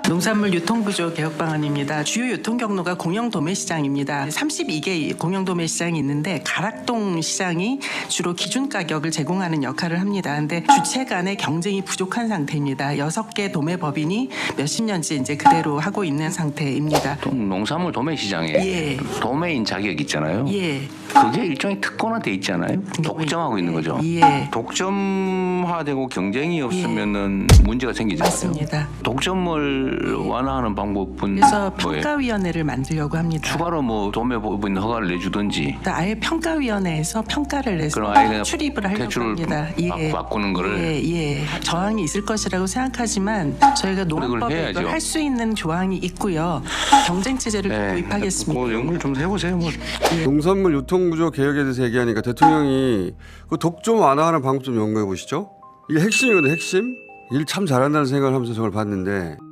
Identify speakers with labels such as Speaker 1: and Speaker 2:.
Speaker 1: 농산물 유통구조 개혁 방안입니다. 주요 유통 경로가 공영 도매 시장입니다. 32개 공영 도매 시장이 있는데 가락동 시장이 주로 기준 가격을 제공하는 역할을 합니다. 근데 주체 간의 경쟁이 부족한 상태입니다. 6개 도매 법인이 몇십 년째 이제 그대로 하고 있는 상태입니다.
Speaker 2: 농산물 도매 시장에
Speaker 1: 예.
Speaker 2: 도매인 자격 있잖아요.
Speaker 1: 예.
Speaker 2: 그게 일종의 특권화돼 있잖아요. 독점하고 있는 거죠.
Speaker 1: 예.
Speaker 2: 독점화되고 경쟁이 없으면은 문제가 생기잖아요.
Speaker 1: 맞습니다.
Speaker 2: 독점을 완화하는 방법은
Speaker 1: 그래서
Speaker 2: 뭐예요?
Speaker 1: 평가위원회를 만들려고 합니다.
Speaker 2: 추가로 뭐 도매 법인 허가를 내주든지
Speaker 1: 아예 평가위원회에서 평가를 내서
Speaker 2: 그럼 아예 그냥
Speaker 1: 출입을 하려고
Speaker 2: 대출을
Speaker 1: 합니다.
Speaker 2: 바꾸는 거를
Speaker 1: 예. 저항이 있을 것이라고 생각하지만 저희가 농업법에
Speaker 2: 해야죠.
Speaker 1: 할 수 있는 조항이 있고요. 경쟁 체제를 도입하겠습니다.
Speaker 2: 그 연구를 좀 해보세요. 뭐.
Speaker 3: 농산물 유통구조 개혁에 대해서 얘기하니까 대통령이 그 독점 완화하는 방법 좀 연구해 보시죠. 이게 핵심이거든요. 핵심. 일 참 잘한다는 생각을 하면서 저걸 봤는데